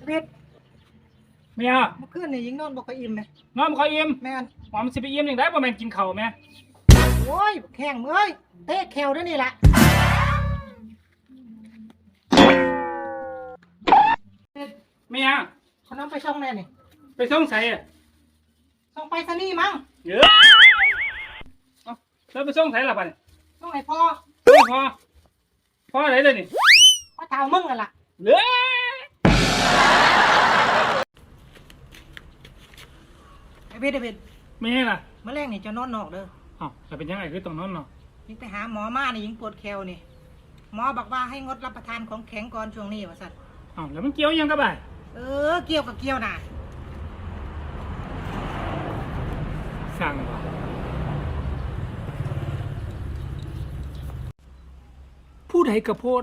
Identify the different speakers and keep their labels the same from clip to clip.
Speaker 1: เพชร
Speaker 2: เมีย
Speaker 1: เมื่อคืนนี่ยิงนอนบอกไปอิ่มไหม
Speaker 2: นอนบ่ค่อยอิ่ม
Speaker 1: แม่น
Speaker 2: ว่ามันสิไปอิ่มจังได๋บ่แม่นกินข้าวแม่
Speaker 1: โอ้ยแข่งเอ้ยเตะแขวด้วยนี่แหละ
Speaker 2: เมีย
Speaker 1: เขาน้ำไปช่องแน่นี่
Speaker 2: ไปส่งไสอ่ะ
Speaker 1: ช่องไปซะนี่มั้ง
Speaker 2: เอ้ยเอ้าแล้วไปส่งไสล่ะบัดนี้
Speaker 1: ช่องไหนพ่อ
Speaker 2: พ่อไหนเลยนี่
Speaker 1: พ่อเท้ามึงกันล่ะ
Speaker 2: เอ้ย
Speaker 1: ไอ้เพชร
Speaker 2: เมียล่ะ
Speaker 1: เมื่อแรกนี่จะนอนนอกเด้อ
Speaker 2: เอ้าแต่เป็นยังไงคือต้องนอนเนาะ
Speaker 1: ยิงไปหาหมอมานี่ยิงปวดแขวนี่หมอบอกว่าให้งดรับประทานของแข็งก่อนช่วงนี้ว่าสัตว์
Speaker 2: เอ้าแล้วมันเกี่ยวยังกับบ่าย
Speaker 1: เกี่ยวกับเกี่ยวน่ะ
Speaker 2: สั่งบ่ผู้ใดกระโพด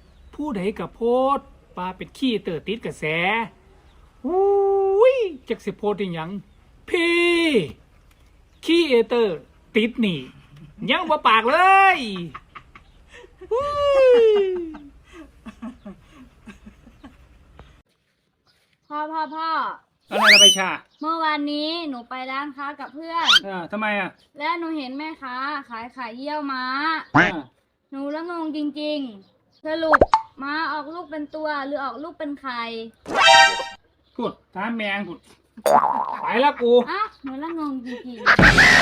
Speaker 2: ปลาเป็นขี้เตอติดกระแสอุ้ยจักสิโพดอีหยังพี่ขี้เอเตอร์ติดนี่ยังบ่ปากเลย
Speaker 3: พ่อ
Speaker 2: อะไรละใบชา
Speaker 3: เมื่อวานนี้หนูไปร้านค้ากับเพื่อน
Speaker 2: ทำไมอ่ะ
Speaker 3: แล้วหนูเห็นแม่ค้าขายไข่เยี่ยวม้าหนูละงงจริงๆสรุปม้าออกลูกเป็นตัวหรือออกลูกเป็นไข่
Speaker 2: พูดถามแมงพูดไปแล้วกู
Speaker 3: หนูละงงจริงๆ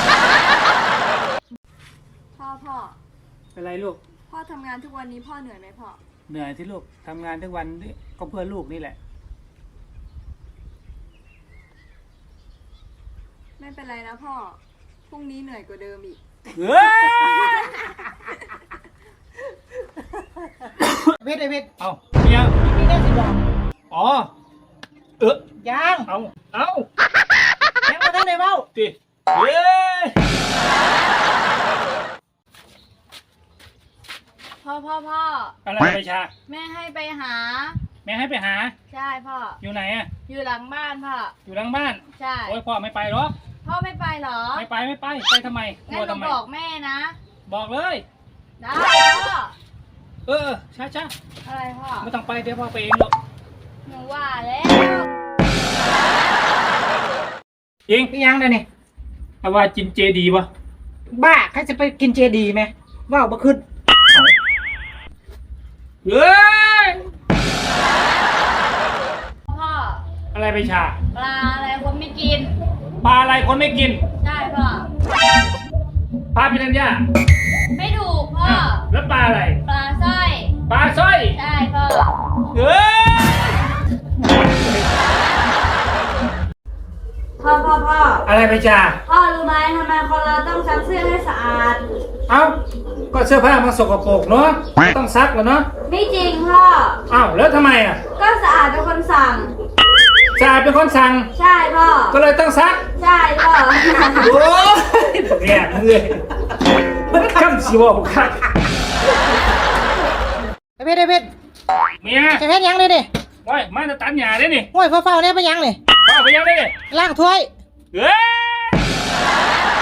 Speaker 3: พ่อ
Speaker 2: อะไรลูก
Speaker 3: พ่อทำงานทุกวันนี้พ่อเหนื่อยไหมพ่อ
Speaker 2: เหนื่อยที่ลูกทำงานทุกวันก็เพื่อลูกนี่แหละ
Speaker 3: ไม่เป็นไรนะพ่อพรุ่งนี้เหนื่อยกว่าเดิมอีก
Speaker 1: เพชร
Speaker 2: เอาเมีย
Speaker 1: พี่ได้สิบอก
Speaker 2: อ๋อ
Speaker 1: ยัง
Speaker 2: เอา
Speaker 1: ยังมาท่านไหนเบ้า
Speaker 2: ติเฮ้ย
Speaker 3: พ่อ
Speaker 2: อะไรไปชา
Speaker 3: แม่ให้ไปหาใช่พ่อ
Speaker 2: อยู่ไหนอ่ะ
Speaker 3: อยู่หลังบ้านพ่อ
Speaker 2: อยู่หลังบ้าน
Speaker 3: ใช่
Speaker 2: โอ้ยพ่อไม่ไปหรอก
Speaker 3: พ่อไม่ไปหรอ
Speaker 2: ไม่ไปทำไม
Speaker 3: งั้นหนูบอกแม่นะ
Speaker 2: บอกเลย
Speaker 3: ได้พ่อ
Speaker 2: ช้า
Speaker 3: อะไรพ่อ
Speaker 2: ไม่ต้องไปเดี๋ยวพ่อไปเองหรอก
Speaker 3: หนูว่าแล้ว
Speaker 2: ยิง
Speaker 1: ยังเลยนี่
Speaker 2: เอาว่าจินเจดีป่ะ
Speaker 1: บ้าใครจะไปกินเจดีไหมว่าวบ่ขึ้น
Speaker 2: เฮ้ย
Speaker 3: พ่อ
Speaker 2: อะไรไปชา
Speaker 3: ปลาอะไรคนไม่กิน
Speaker 2: ปลาอะไรคนไม่กิน
Speaker 3: ใช่พ่อ
Speaker 2: ปลาพิรัญญา
Speaker 3: ไม่ถูกพ่อ
Speaker 2: แล้วปลาอะไร
Speaker 3: ปลาสร้อยใช่พ่อ
Speaker 2: เฮ้ย
Speaker 3: พ่อ
Speaker 2: อะไรไปจ้า
Speaker 3: พ่อรู้ไหมทำไมคนเราต้องซักเสื้อให้สะอาด
Speaker 2: เอ้าก็เสื้อผ้ามันสกปรกเนาะต้องซักแล้วเนาะ
Speaker 3: ไม่จริงพ่อ
Speaker 2: แล้วทำไมอ่ะ
Speaker 3: ก็สะอาดเป็นคนสั่ง
Speaker 2: สะอาดเป็นคนสั่ง
Speaker 3: ใช่พ่อ
Speaker 2: ก็เลยต้องซัก
Speaker 3: ใช่พ่อ
Speaker 2: โอ้ยแย่เลยมันคำสิว่าคัก
Speaker 1: เพชร
Speaker 2: เมีย
Speaker 1: จะเพชรยังเลยดิ
Speaker 2: โอ้ยมาจะตัดหญ้าได้นี่
Speaker 1: โอ้ยเฝ้าเนี่ยไปยังเลย
Speaker 2: เฝ้าไปยังได้นี่
Speaker 1: ล้างถ้วย
Speaker 2: เฮ้ย